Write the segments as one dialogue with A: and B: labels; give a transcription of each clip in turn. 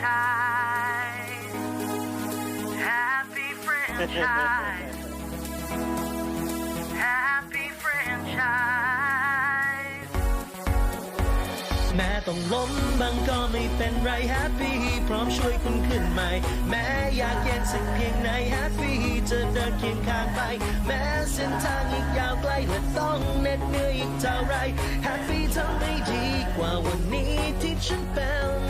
A: franchise Happy franchise Happy franchise
B: แม้ต้องล้มบางก็ไม่เป็นไร Happy พร้อมช่วยคุณขึ้นใหม่แม้อยากเย็นสักเพียงไหน Happy จะเดินเคียงข้างไปแม้เส้นทางอีกยาวไกลและต้องเหน็ดเหนื่อยอีกเท่าไร Happy ทำได้ดีกว่าวันนี้ที่ฉันเป็น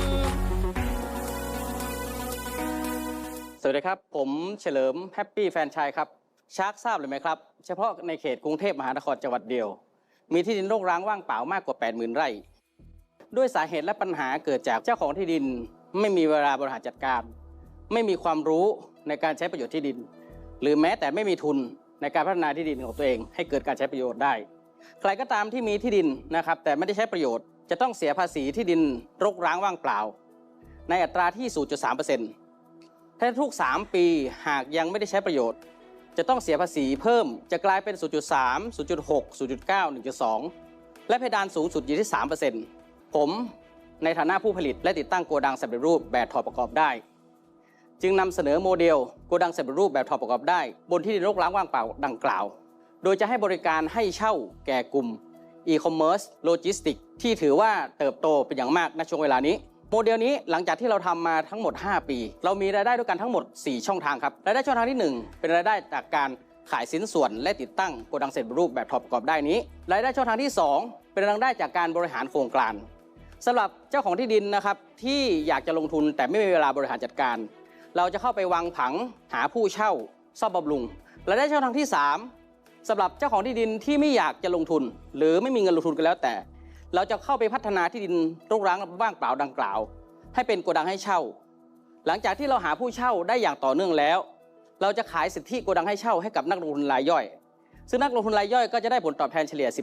C: สวัสดีครับผมเฉลิมแฮปปี้แฟรนไชส์ครับชาร์กทราบเลยไหมครับเฉพาะในเขตกรุงเทพมหานครจังหวัดเดียวมีที่ดินรกร้างว่างเปล่ามากกว่า 80,000 ไร่ด้วยสาเหตุและปัญหาเกิดจากเจ้าของที่ดินไม่มีเวลาบริหารจัดการไม่มีความรู้ในการใช้ประโยชน์ที่ดินหรือแม้แต่ไม่มีทุนในการพัฒนาที่ดินของตัวเองให้เกิดการใช้ประโยชน์ได้ใครก็ตามที่มีที่ดินนะครับแต่ไม่ได้ใช้ประโยชน์จะต้องเสียภาษีที่ดินรกร้างว่างเปล่าในอัตราที่ 0.3%ถ้าทุก 3 ปีหากยังไม่ได้ใช้ประโยชน์จะต้องเสียภาษีเพิ่มจะกลายเป็น 0.3 0.6 0.9 1.2 และเพดานสูงสุดอยู่ที่ 3%ผมในฐานะผู้ผลิตและติดตั้งโกดังสำเร็จรูปแบบถอดประกอบได้จึงนำเสนอโมเดลโกดังสำเร็จรูปแบบถอดประกอบได้บนที่ดินรกร้างว่างเปล่าดังกล่าวโดยจะให้บริการให้เช่าแก่กลุ่ม e-commerce logistics ที่ถือว่าเติบโตเป็นอย่างมากในช่วงเวลานี้โมเดลนี้หลังจากที่เราทำมาทั้งหมด 5 ปีเรามีรายได้ด้วยกันทั้งหมด 4 ช่องทางครับรายได้ช่องทางที่ 1 เป็นรายได้จากการขายสินส่วนและติดตั้งโกดังเสร็จรูปแบบถอดประกอบได้นี้รายได้ช่องทางที่ 2 เป็นรายได้จากการบริหารโครงการสำหรับเจ้าของที่ดินนะครับที่อยากจะลงทุนแต่ไม่มีเวลาบริหารจัดการเราจะเข้าไปวางผังหาผู้เช่าซ่อมบำรุงรายได้ช่องทางที่ 3สำหรับเจ้าของที่ดินที่ไม่อยากจะลงทุนหรือไม่มีเงินลงทุนกันแล้วแต่เราจะเข้าไปพัฒนาที่ดินรกร้างว่างเปล่าดังกล่าวให้เป็นโกดังให้เช่าหลังจากที่เราหาผู้เช่าได้อย่างต่อเนื่องแล้วเราจะขายสิทธิโกดังให้เช่าให้กับนักลงทุนรายย่อยซึ่งนักลงทุนรายย่อยก็จะได้ผลตอบแทนเฉลี่ย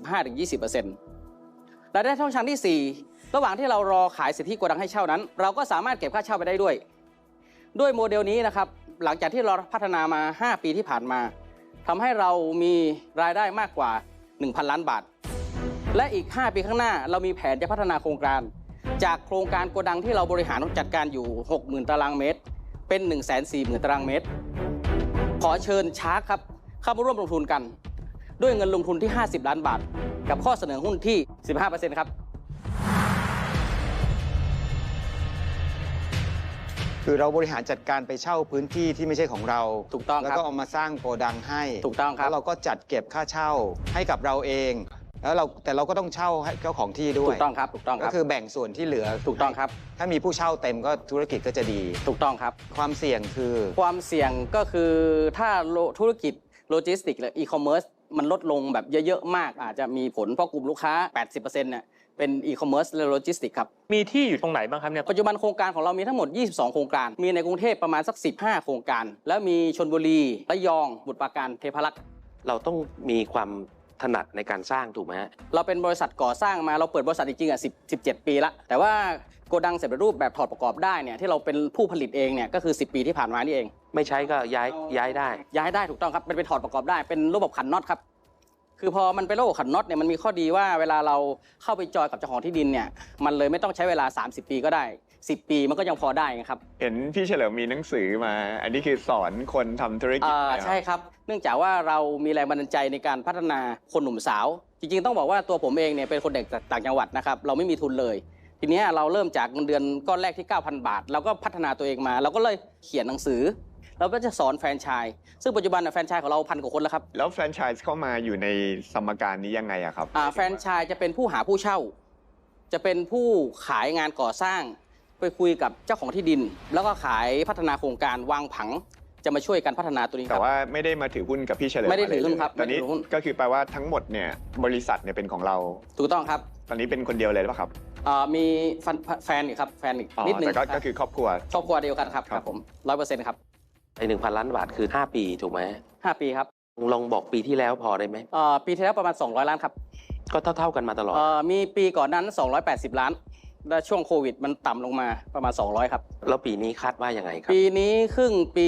C: 15-20% รายได้ช่องทางที่ 4ระหว่างที่เรารอขายสิทธิโกดังให้เช่านั้นเราก็สามารถเก็บค่าเช่าไปได้ด้วยโมเดลนี้นะครับหลังจากที่เราพัฒนามา 5 ปีที่ผ่านมาทำให้เรามีรายได้มากกว่า 1,000 ล้านบาทและอีก 5 ปีข้างหน้าเรามีแผนจะพัฒนาโครงการจากโครงการโกดังที่เราบริหารจัดการอยู่ 60,000 ตารางเมตรเป็น 140,000 ตารางเมตรขอเชิญชาร์กครับเข้ามาร่วมลงทุนกันด้วยเงินลงทุนที่ 50 ล้านบาทกับข้อเสนอหุ้นที่ 15% ครับ
D: คือเราบริหารจัดการไปเช่าพื้นที่ที่ไม่ใช่ของเรา
C: ถูกต้องครับ
D: แล้วก็เอามาสร้างโกดังให้
C: ถูกต้องครับ
D: แล้วเราก็จัดเก็บค่าเช่าให้กับเราเองแล้วแต่เราก็ต้องเช่าให้เจ้าของที่ด้วย
C: ถูกต้องครับถูกต้องค
D: ก็
C: รับ
D: คือแบ่งส่วนที่เหลือ
C: ถูกต้องครับ
D: ถ้ามีผู้เช่าเต็มก็ธุรกิจก็จะดี
C: ถูกต้องครับ
D: ความเสี่ยงคือ
C: ความเสี่ยงก็คือถ้าธุรกิจโลจิสติกส์หรืออีคอมเมิร์ซมันลดลงแบบเยอะๆมากอาจจะมีผลเพราะกลุ่มลูกค้า 80% เนี่ยเป็นอีคอมเมิร์ซและโลจิสติกส์ครับ
E: มีที่อยู่ตรงไหนบ้างครับเนี่ย
C: ปัจจุบันโครงการของเรามีทั้งหมด 22 โครงการมีในกรุงเทพประมาณสัก 15 โครงการแล้วมีชลบุรีระยองสมุทรปราการเทพารักษ์
F: เราต้องมีความถนัดในการสร้างถูกไหมฮะ
C: เราเป็นบริษัทก่อสร้างมาเราเปิดบริษัทจริงๆ17 ปีละแต่ว่าโกดังสำเร็จรูปแบบถอดประกอบได้เนี่ยที่เราเป็นผู้ผลิตเองเนี่ยก็คือ10 ปีที่ผ่านมานี่เอง
F: ไม่ใช้ก็ย้าย
C: ได้ถูกต้องครับเป็นถอดประกอบได้เป็นระบบขันน็อตครับคือพอมันเป็นระบบขันน็อตเนี่ยมันมีข้อดีว่าเวลาเราเข้าไปจอยกับเจ้าของที่ดินเนี่ยมันเลยไม่ต้องใช้เวลา30 ปีก็ได้10 ปีมันก็ยังพอได้ครับ
G: เห็นพี่เฉลิมมีหนังสือมาอันนี้คือสอนคนทำธุรกิจ
C: ใช่ครับเนื่องจากว่าเรามีแรงบันดาลใจในการพัฒนาคนหนุ่มสาวจริงๆต้องบอกว่าตัวผมเองเนี่ยเป็นคนเด็กจากต่างจังหวัดนะครับเราไม่มีทุนเลยทีนี้เราเริ่มจากเงินเดือนก้อนแรกที่ 9,000 บาทเราก็พัฒนาตัวเองมาเราก็เลยเขียนหนังสือเราก็จะสอนแฟรนไชส์ซึ่งปัจจุบันแฟรนไชส์ของเรา1,000 กว่าคนแล้วครับ
G: แล้วแฟรนไชส์เข้ามาอยู่ในสมการนี้ยังไงอะครับ
C: แฟรนไชส์จะเป็นผู้หาผู้เช่าจะเป็นผู้ขายงานก่อสร้างไปคุยกับเจ้าของที่ดินแล้วก็ขายพัฒนาโครงการวางผังจะมาช่วยกันพัฒนาตัวนี้
G: แต่ว่าไม่ได้มาถือหุ้นกับพี่เฉลิม
C: ไม่ได้ถือหุ้นครับ
G: ตอนนี้ก็คือแปลว่าทั้งหมดเนี่ยบริษัทเนี่ยเป็นของเรา
C: ถูกต้องครับ
G: ตอนนี้เป็นคนเดียวเลยหรือเปล่าครับ
C: มีแฟนอีกครับแฟนอีกนิดนึง
G: แต่ก็คือครอบครัว
C: เดียวกันครับผม 100% ครับ
F: ไอ้ 1,000 ล้านบาทคือ5 ปีถูกไหม
C: 5 ปีครับ
F: ลองบอกปีที่แล้วพอได้ไหม
C: ปีที่แล้วประมาณ200 ล้านครับ
F: ก็เท่ากันมาตลอด
C: มีปีก่อนนั้น280 ล้านและช่วงโควิดมันต่ำลงมาประมาณ200ครับ
F: แล้วปีนี้คาดว่ายังไงครับ
C: ปีนี้ครึ่งปี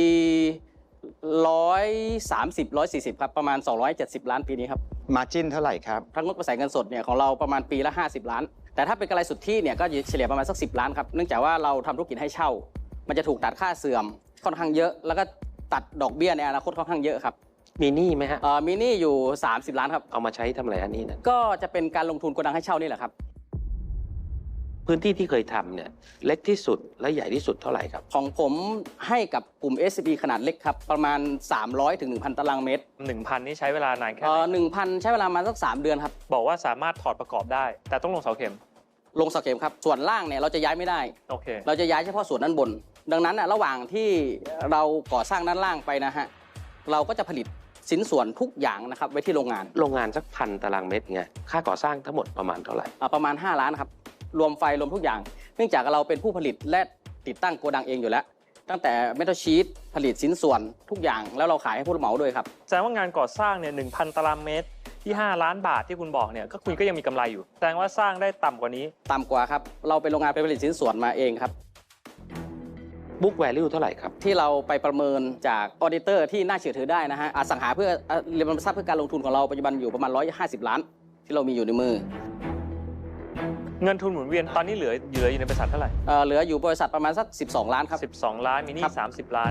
C: 130-140ครับประมาณ270 ล้านปีนี้ครับ
D: มาร์จิ้นเท่าไหร่ครับ
C: ทั้งงบกระแสเงินสดเนี่ยของเราประมาณปีละ50 ล้านแต่ถ้าเป็นกำไรสุทธิเนี่ยก็เฉลี่ยประมาณสัก10 ล้านครับเนื่องจากว่าเราทำธุรกิจให้เช่า มันจะถูกตัดค่าเสื่อมค่อนข้างเยอะแล้วก็ตัดดอกเบี้ยในอนาคตค่อนข้างเยอะครับ
F: มีหนี้ไหมฮะ
C: มีหนี้อยู่30 ล้านครับ
F: เอามาใช้ทำอะไรอันนี้นะ
C: ก็จะเป็นการลงทุนโกดังให้เช่านี่แหละครับ
F: พื้นที่ที่เคยทำเนี่ยเล็กที่สุดและใหญ่ที่สุดเท่าไหร่ครับ
C: ของผมให้กับกลุ่ม SCB ขนาดเล็กครับประมาณ300 ถึง 1,000 ตารางเมตร
E: 1,000 นี่ใช้เวลานานแค่ไหน
C: 1,000 ใช้เวลามาสัก3 เดือนครับ
E: บอกว่าสามารถถอดประกอบได้ แต่ต้องลงเสาเข็ม
C: ลงเสาเข็มครับส่วนล่างเนี่ยเราจะย้ายไม่ได้
E: โอเค
C: เราจะย้ายเฉพาะส่วนด้านบน ดังนั้นระหว่างที่เราก่อสร้างด้านล่างไปนะฮะเราก็จะผลิตสินส่วนทุกอย่างนะครับไว้ที่โรงงาน
F: โรงงานสัก1,000 ตารางเมตรไงค่าก่อสร้างทั้งหมดประมาณเท่าไหร่
C: ประมาณ5 ล้านครับรวมไฟรวมทุกอย่าง เนื่องจากเราเป็นผู้ผลิตและติดตั้งโกดังเองอยู่แล้ว ตั้งแต่เมทัลชีตผลิตสินส่วนทุกอย่างแล้วเราขายให้ผู้รับเหมาด้วยครับ
E: แสดงว่างานก่อสร้างเนี่ย 1,000 ตารางเมตรที่5 ล้านบาทที่คุณบอกเนี่ยก็คุณก็ยังมีกำไรอยู่แสดงว่าสร้างได้ต่ำกว่านี้
C: ต่ำกว่าครับเราเป็นโรงงานผลิตสินส่วนมาเองครับ
F: book value เท่าไหร่ครับ
C: ที่เราไปประเมินจากออเดเตอร์ที่น่าเชื่อถือได้นะฮะอสังหาเพื่อเรียนทรัพย์เพื่อการลงทุนของเราปัจจุบันอยู่ประมาณ150 ล้านที่เรามีอยู่ในมือ
E: เงินทุนหมุนเวียนตอนนี้เหลืออยู่ในบริษัทเท่าไหร่
C: เหลืออยู่บริษัทประมาณสัก12 ล้านครับ
E: 12 ล้านมีหนี้
C: ครับ
E: 30 ล้าน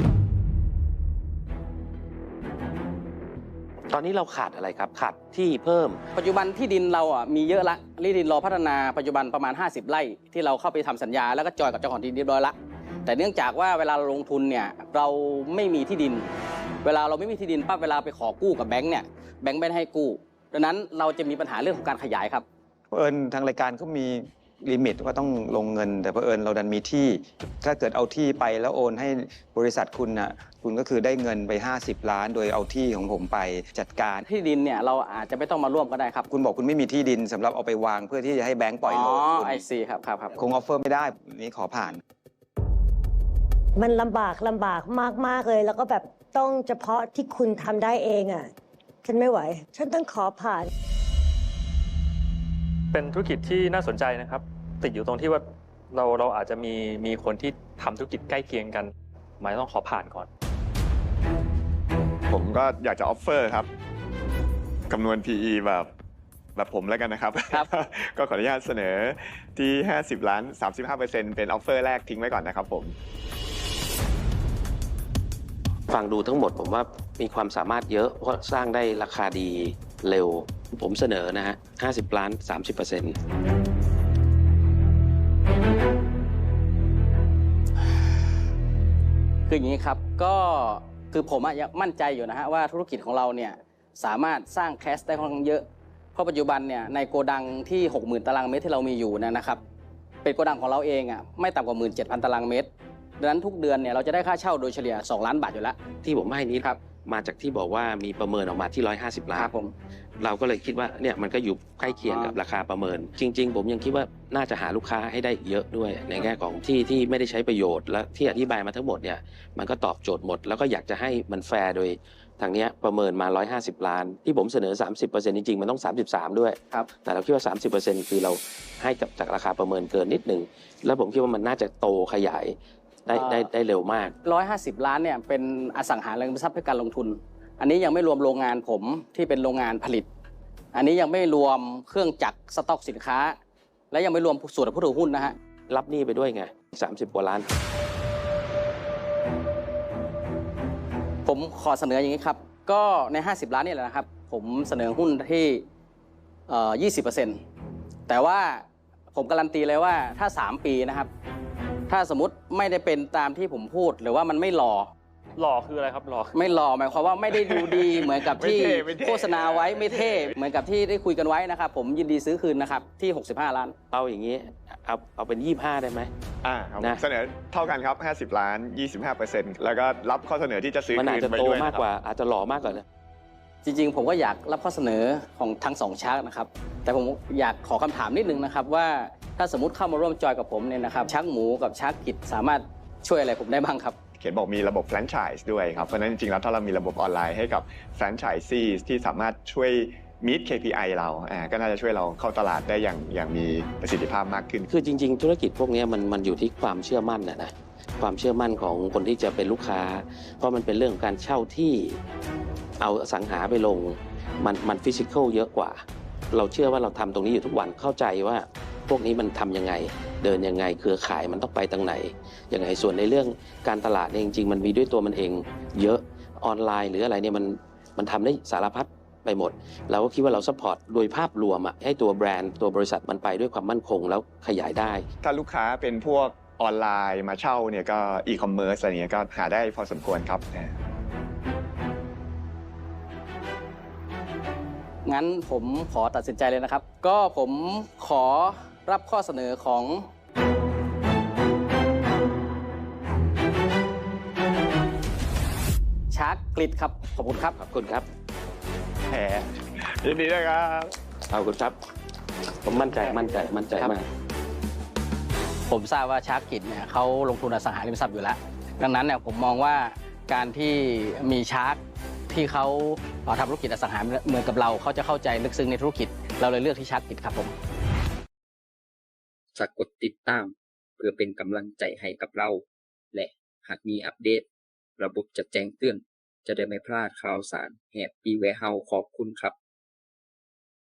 F: ตอนนี้เราขาดอะไรครับขาดที่เพิ่ม
C: ปัจจุบันที่ดินเรามีเยอะละที่ดินรอพัฒนาปัจจุบันประมาณ50 ไร่ที่เราเข้าไปทำสัญญาแล้วก็จอยกับเจ้าของที่ดินเรียบร้อยละแต่เนื่องจากว่าเวลาเราลงทุนเนี่ยเราไม่มีที่ดิน เวลาเราไม่มีที่ดินปั๊บเวลาไปขอกู้กับแบงค์เนี่ยแบงค์ไม่ให้กู้ดังนั้นเราจะมีปัญหาเรื่องของการขยายครับ
D: เผอิญทางรายการก็มีลิมิตว่าต้องลงเงิน แต่เผอิญเราดันมีที่ ถ้าเกิดเอาที่ไปแล้วโอนให้บริษัทคุณน่ะคุณก็คือได้เงินไป50 ล้าน โดยเอาที่ของผมไปจัดการ
C: ที่ดินเนี่ยเราอาจจะไม่ต้องมาร่วมก็ได้ครับ
D: คุณบอกคุณไม่มีที่ดินสำหรับเอาไปวางเพื่อที่จะให้แบงก์ปล่อยโลนคุณ
C: ไอซีครับครับ
D: คงออฟเฟอร์ไม่ได้นี้ขอผ่าน
H: มันลำบากมากเลยแล้วก็แบบต้องเฉพาะที่คุณทำได้เองอ่ะฉันไม่ไหว ฉันต้องขอผ่าน
E: เป็นธุรกิจที่น่าสนใจนะครับ ติดอยู่ตรงที่ว่าเราอาจจะมีคนที่ทำธุรกิจใกล้เคียงกันหมายต้องขอผ่านก่อน
G: ผมก็อยากจะออฟเฟอร์ครับคำนวณ PE แบบผมแล้วกันนะครับ
C: ครับ
G: ก็ขออนุญาตเสนอที่ 50 ล้าน 35% เป็นออฟเฟอร์แรกทิ้งไว้ก่อนนะครับผม
F: ฟังดูทั้งหมดผมว่ามีความสามารถเยอะเพราะสร้างได้ราคาดีเร็ว ผมเสนอนะฮะ50 ล้าน 30%
C: คืออย่างนี้ครับก็คือผมยังมั่นใจอยู่นะฮะว่าธุรกิจของเราเนี่ยสามารถสร้างแคชได้ค่อนข้างเยอะเพราะปัจจุบันเนี่ยในโกดังที่ 60,000 ตารางเมตรที่เรามีอยู่นะครับเป็นโกดังของเราเองไม่ต่ำกว่า 17,000 ตารางเมตรดังนั้นทุกเดือนเนี่ยเราจะได้ค่าเช่าโดยเฉลี่ย2 ล้านบาทอยู่แล้ว
F: ที่ผมให้นี้
C: ครับ
F: มาจากที่บอกว่ามีประเมินออกมาที่150 ล้าน
C: ครับผม
F: เราก็เลยคิดว่าเนี่ยมันก็อยู่ใกล้เคียงกับราคาประเมิน จริง ๆ ผมยังคิดว่าน่าจะหาลูกค้าให้ได้เยอะด้วย ในแง่ของที่ไม่ได้ใช้ประโยชน์และที่อธิบายมาทั้งหมดเนี่ยมันก็ตอบโจทย์หมด แล้วก็อยากจะให้มันแฟร์โดยทางเนี้ยประเมินมา150 ล้าน ที่ผมเสนอ 30% จริงๆมันต้อง33ด้วย
C: ครับ
F: แต่เราคิดว่า 30% คือเราให้กับจากราคาประเมินเกินนิดนึงแล้วผมคิดว่ามันน่าจะโตขยายได้เร็วมาก
C: 150 ล้านเนี่ยเป็นอสังหาริมทรัพย์เพื่อการลงทุน อันนี้ยังไม่รวมโรงงานผมที่เป็นโรงงานผลิต อันนี้ยังไม่รวมเครื่องจักรสต็อกสินค้า และยังไม่รวมส่วนผู้ถือหุ้นนะฮะ
F: รับหนี้ไปด้วยไง30 กว่าล้าน
C: ผมขอเสนออย่างนี้ครับก็ใน50 ล้านนี่แหละนะครับผมเสนอหุ้นที่20%แต่ว่าผมการันตีเลยว่าถ้า3 ปีนะครับถ้าสมมติไม่ได้เป็นตามที่ผมพูดหรือว่ามันไม่หล่อ
E: หล่อคืออะไรครับหล่อ
C: ไม่หล่อหมายความว่าไม่ได้ดูดี เหมือนกับที่
G: ไม่เท่
C: โฆษณาไว้ไม่เท่เหมือนกับที่ได้คุยกันไว้นะครับผมยินดีซื้อคืนนะครับที่65 ล้าน
F: เอาอย่างนี้เอาเป็น25ได้ไหม
G: ครับ
F: นะ
G: เสนอเท่ากันครับ 50 ล้าน 25%แล้วก็รับข้อเสนอที่จะซื้อ
F: มันอา
G: คื
F: จ
G: น
F: จะ
G: ไป
F: โต
G: ด้วย
F: มาก
G: นะค
F: ก
G: รับ
F: ว่าอาจจะหล่อมากกว่านะ
C: จริงๆผมก็อยากรับข้อเสนอของทั้ง2ชาร์กนะครับแต่ผมอยากขอคำถามนิดนึงนะครับว่าถ้าสมมติเข้ามาร่วมจอยกับผมเนี่ยนะครับชาร์กหมูกับชาร์กกิจสามารถช่วยอะไรผมได้บ้างครับ
G: เขียนบอกมีระบบแฟรนไชส์ด้วยครับ เพราะฉะนั้นจริงๆแล้วถ้าเรามีระบบออนไลน์ให้กับแฟรนไชส์ซีที่สามารถช่วย meet KPI เราก็น่าจะช่วยเราเข้าตลาดได้อย่างมีประสิทธิภาพมากขึ้น
F: คือจริงๆ ธุรกิจพวกนี้มันอยู่ที่ความเชื่อมั่นนะความเชื่อมั่นของคนที่จะเป็นลูกค้า เพราะมันเป็นเรื่องของการเช่าที่เอาอสังหาไปลงมันฟิสิกอลเยอะกว่า เราเชื่อว่าเราทำตรงนี้อยู่ทุกวันเข้าใจว่าพวกนี้มันทำยังไงเดินยังไงเครือข่ายมันต้องไปทางไหนยังไงส่วนในเรื่องการตลาดเนี่ยจริงๆมันมีด้วยตัวมันเองเยอะออนไลน์หรืออะไรเนี่ยมันทำได้สารพัดไปหมดเราก็คิดว่าเราซัพพอร์ตโดยภาพรวมให้ตัวแบรนด์ตัวบริษัทมันไปด้วยความมั่นคงแล้วขยายได้
G: ถ้าลูกค้าเป็นพวกออนไลน์มาเช่าเนี่ยก็อีคอมเมิร์ซอะไรเงี้ยก็หาได้พอสมควรครับ
C: งั้นผมขอตัดสินใจเลยนะครับ ก็ผมขอรับข้อเสนอของชาร์กกริดครับ ขอบคุณครับ
F: ขอบคุณครับ
G: แหมยินดีด้วยครับ
F: ขอบคุณครับผมมั่นใจมาก
C: ผมทราบว่าชาร์กกริดเนี่ยเขาลงทุนอสังหาริมทรัพย์อยู่แล้ว ดังนั้นเนี่ยผมมองว่าการที่มีชาร์กที่เขาทำธุรกิจอสังหาเหมือนกับเราเขาจะเข้าใจลึกซึ้งในธุรกิจเราเลยเลือกที่ชาร์กกริดครับผม
I: ฝากกดติดตามเพื่อเป็นกำลังใจให้กับเรา และหากมีอัปเดตระบบจะแจ้งเตือนจะได้ไม่พลาดข่าวสารแฮปปี้แวร์เฮาส์ขอบคุณครับ